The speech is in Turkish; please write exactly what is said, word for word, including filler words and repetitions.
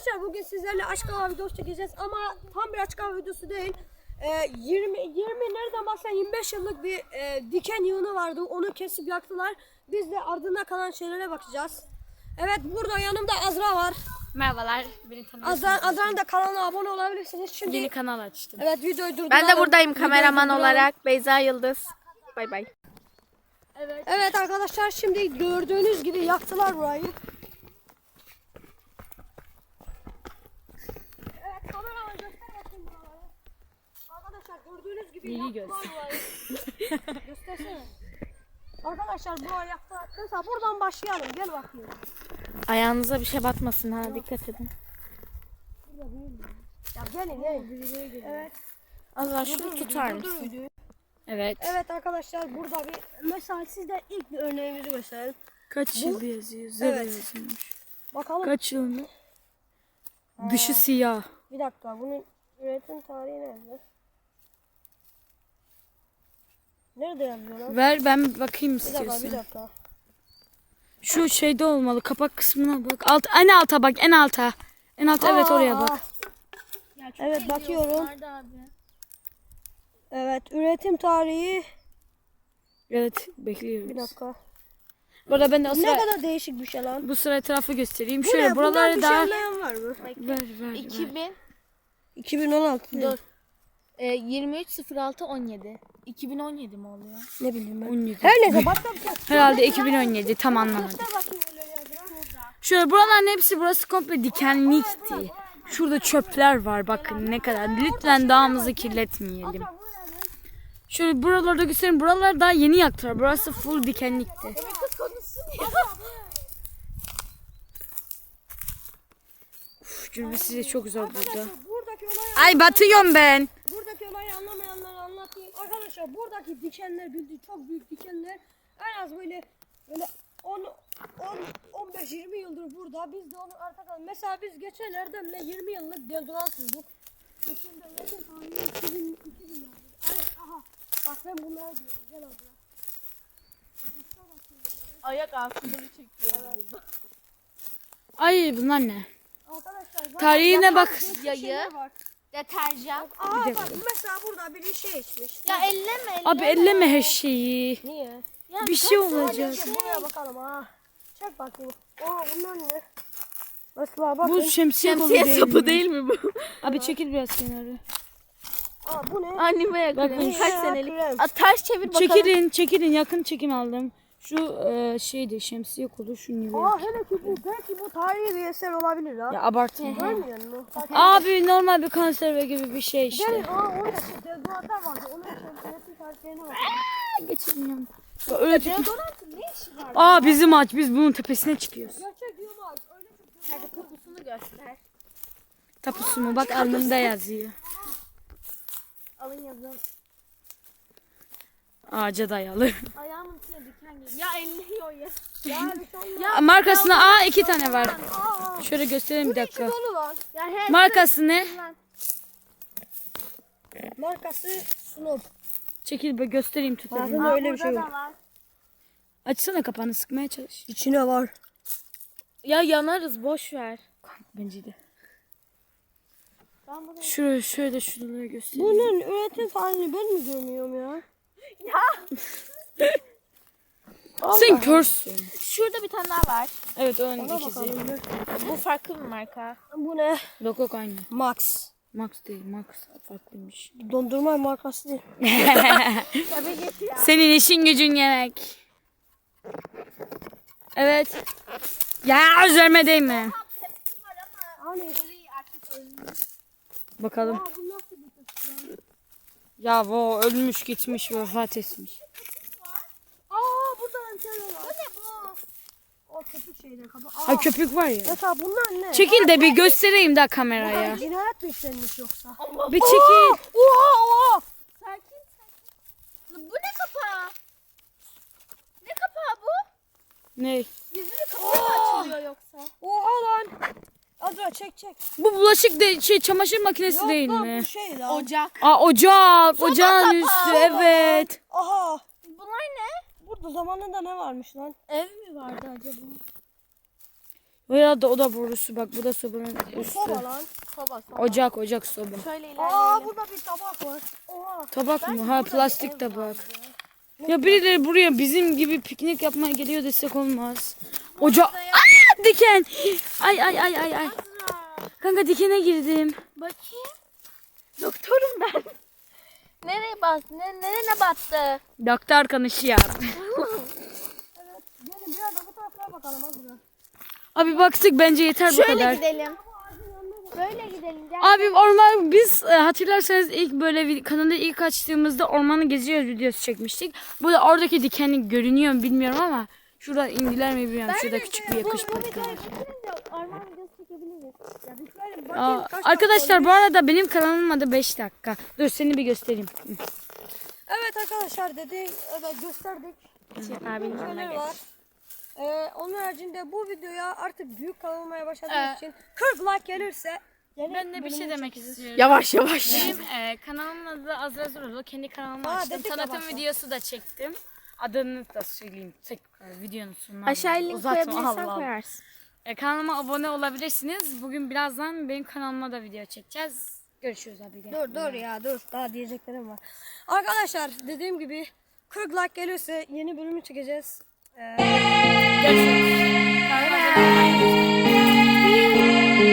Arkadaşlar bugün sizlerle açık hava videosu çekeceğiz ama tam bir açık hava videosu değil. Ee, yirmi yirmi nereden baksan yirmi beş yıllık bir e, diken yığını vardı. Onu kesip yaktılar. Biz de ardında kalan şeylere bakacağız. Evet, burada yanımda Azra var. Merhabalar. Beni tanıyorsunuz. Azra, Azra'nın da kanalına abone olabilirsiniz. Şimdi Yeni kanal açtım. evet, videoyu durduralım. Ben de buradayım Videoyu kameraman durduralım. olarak. Beyza Yıldız. Bay bay. Evet. Evet arkadaşlar, şimdi gördüğünüz gibi yaktılar burayı. Evet, kameraman göster bakayım buraları. Arkadaşlar gördüğünüz gibi İyi yaktılar burayı. Göstersene. Arkadaşlar burayı yaktılar. Mesela buradan başlayalım. Gel bakayım. Ayağınıza bir şey batmasın ha. Dikkat edin. Ya gelin gelin. Evet. Allah şunu tutar Dur, dur, mısın? videoyu. Evet. Evet arkadaşlar, burada bir mesela sizde ilk bir örneğimizi gösterelim. Kaç Bu- yıl yazıyor? Zero Evet. yazılmış. Bakalım. Kaç yıl mı? Dışı siyah. Bir dakika, bunun üretim tarihi nerede? Nerede yazıyor lan? Ver ben bakayım Bir dakika, bir istiyorsan. dakika. Şu şeyde olmalı. Kapak kısmına bak. Alt, en alta bak. En alta. En alta evet Aa, oraya aa. bak. Evet, bakıyorum. Evet, üretim tarihi. Evet Bir bekliyoruz. dakika. Burada ben de o Ne sıra, kadar değişik bir şey lan. bu sıra etrafı göstereyim. Bu Şöyle ne? buraları Buradan bir daha şey anlayan var mı? ver ver. ver. iki bin iki bin on altı. Dur. E, yirmi üç sıfır altı on yedi. iki bin on yedi mi oluyor? Ne bileyim ben. on yedi. Her neyse, başka bir şey. Herhalde iki bin on yedi tam anlamadım. Göster bakayım öyle yazılan. Şöyle buraların hepsi burası komple dikenlikti. Şurada çöpler var bakın ne kadar. Lütfen dağımızı kirletmeyelim. Şöyle buralarda göstereyim. Buralar daha yeni yaktılar. Burası full dikenlikti. Uf, cümle size çok zor burada. Buradaki olay Ay batıyorum ben. Buradaki olayı anlamayanlara anlatayım. Arkadaşlar buradaki dikenler, bildiğin çok büyük dikenler, en az böyle böyle on on on beş yirmi yıldır burada. Biz de onu artık, mesela biz geçen Erdem'le yirmi yıllık deodorant sürdük. Geçen de yakın tarihi iki bin iki bin yazdı. Evet, aha. Bak ben bunları diyorum. Gel abla. Ayak altında bir çekiyor. Ay bunlar ne? Arkadaşlar bak, Tarihine bak. Yayı, deterjan. aa bak mesela burada biri şey içmiş. Ya elleme elleme. Abi elleme her şeyi. Niye? Ya Bir şey kaç olacak. Hadi buraya bakalım ha. Çek bakayım. Aa bunlar ne? Mesela bakın. Bu şemsiye kolu Şemsiye değil sapı mi? değil mi bu? Abi çekil biraz kenara. Aa bu ne? Anime Bakın. kremi. Kaç Ya, senelik? krem. A, ters çevir bakalım. Çekilin çekilin yakın çekim aldım. Şu e, şeydi şemsiye kolu şu New York. Aa hele ki bu, belki bu tarihi bir eser olabilir ha. Ya abartma. Görmüyor musun? Bak, Abi normal bir konserve gibi bir şey işte. gelin, aa orada şu deodorantlar vardı. Onun şemsiyesi tariflerine bak. Geçelim. Ya öyle tip- Deodorantın ne işi var? Aa bizim ağaç biz bunun tepesine çıkıyoruz. Gerçek diyorum abi. Öyle çok Hadi kokusunu göster. Tapusu mu bak alnımda yazıyor. Alın yazın. Ağaca dayalı. Ayağımın içine diken geliyor. Ya elliyor ya. ya bir şey olmaz. Ya Markasında aa iki tane var. Aa, Şöyle göstereyim bir dakika. dolu lan. Ya he. Markası ne? Markası Snoop. Çekil be göstereyim tut elini. Bakın öyle bir şey Burada yok. da var. Açsana kapağını sıkmaya çalış. İçine var. Ya yanarız boş ver. Bence de. Ben bunu Şöyle şöyle şuraları göstereyim. Bunun üretim tarihini ben mi görmüyorum ya? Sen körsün. şurada bir tane daha var. Evet onun Ona ikizi. bakalım bir. Bu farklı bir marka. Bu ne? Yok yok aynı. Max. Max değil Max farklıymış. Dondurma markası değil. Tabii git ya. Senin işin gücün yemek. Evet. Ya üzerime değme. Hani? Bakalım. Aa, bu nasıl bir tepsi lan? Ya o ölmüş gitmiş vefat etmiş. Aa burada antenna var. Bu ne bu? O köpük şeyler kapı. Aa. Ha köpük var ya. Mesela bunlar ne? Çekil de bir göstereyim daha kameraya. Ya. Cinayet mi işlenmiş yoksa? Bir çekil. Oha oha. Sakin sakin. Bu ne kapağı? Ne kapağı bu? Ne? Yüzünü kapağı mı açılıyor yoksa? Oha lan. Azra çek çek. Bu bulaşık de şey çamaşır makinesi Yok değil lan, mi? bu şey lan. Ocak. Aa ocak. Ocağın kapağı. üstü evet. Aha. Bunlar ne? Burada zamanında ne varmış lan? Ev mi vardı acaba? Veya da o da borusu bak, bu da sobanın üstü. Soba lan. Soba soba. Ocak ocak soba. Şöyle Aa ilerleyelim. burada bir tabak var. Oha. Tabak mı? Ha, plastik tabak. Ya birileri buraya bizim gibi piknik yapmaya geliyor desek olmaz. Ocak. Aa, diken. Ay ay ay ay ay. Kanka dikene girdim. Bakayım. Doktorum ben. Nereye bastı? Ne, nereye battı? Doktor konuşuyor. Evet. Gelin biraz da bu taraflara bakalım hadi. Abi baktık, bence yeter bu Şöyle kadar. gidelim. Böyle gidelim. Gel. Abi orman, biz e, hatırlarsanız ilk böyle vid- kanalı ilk açtığımızda ormanı geziyoruz videosu çekmiştik. Burada oradaki dikenlik görünüyor mu bilmiyorum ama şuradan indiler mi bilmiyorum. Şurada küçük bir yakışıklık var. Orman videosu çekebiliriz. Ya bitirelim. Aa, Bakayım kaç arkadaşlar bu arada benim kanalımın adı beş dakika. Dur seni bir göstereyim. Evet arkadaşlar dedi, evet gösterdik. Abinin Şeyler yanına var. Ee, onun haricinde bu videoya artık büyük kanal olmaya başladığım Ee, için kırk like gelirse Ben de bir şey demek istiyorum. Yavaş yavaş. Benim e, kanalımın adı Azra Zorlu. Kendi kanalımı Aa, açtım. dedik ya Tanıtım başta. videosu da çektim. Adını da söyleyeyim. Tekrar videonun sonuna. Aşağı link Uzatma, koyabilirsen Allah Allah. koyarsın. E, kanalıma abone olabilirsiniz. Bugün birazdan benim kanalıma da video çekeceğiz. Görüşürüz abi. Gel. dur dur ya dur, daha diyeceklerim var. Arkadaşlar dediğim gibi kırk like gelirse yeni bölümü çekeceğiz. Ee, Görüşürüz. Kanalıma abone olmayı unutmayın.